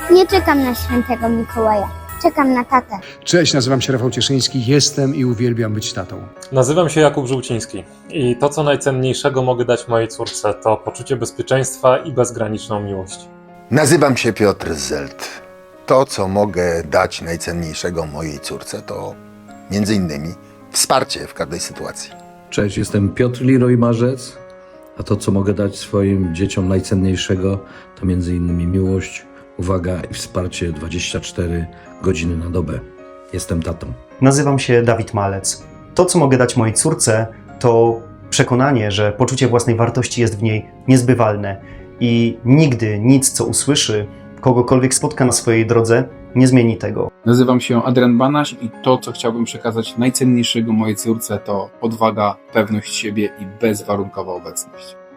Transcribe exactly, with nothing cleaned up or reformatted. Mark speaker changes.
Speaker 1: Nie czekam na świętego Mikołaja. Czekam na tatę.
Speaker 2: Cześć, nazywam się Rafał Cieszyński, jestem i uwielbiam być tatą.
Speaker 3: Nazywam się Jakub Żółciński i to, co najcenniejszego mogę dać mojej córce, to poczucie bezpieczeństwa i bezgraniczną miłość.
Speaker 4: Nazywam się Piotr Zelt. To, co mogę dać najcenniejszego mojej córce, to między innymi wsparcie w każdej sytuacji.
Speaker 5: Cześć, jestem Piotr Leroy Marzec, a to, co mogę dać swoim dzieciom najcenniejszego, to między innymi miłość, uwaga i wsparcie dwadzieścia cztery godziny na dobę. Jestem tatą.
Speaker 6: Nazywam się Dawid Malec. To, co mogę dać mojej córce, to przekonanie, że poczucie własnej wartości jest w niej niezbywalne i nigdy nic, co usłyszy, kogokolwiek spotka na swojej drodze, nie zmieni tego.
Speaker 7: Nazywam się Adrian Banaś i to, co chciałbym przekazać najcenniejszego mojej córce, to odwaga, pewność siebie i bezwarunkowa obecność.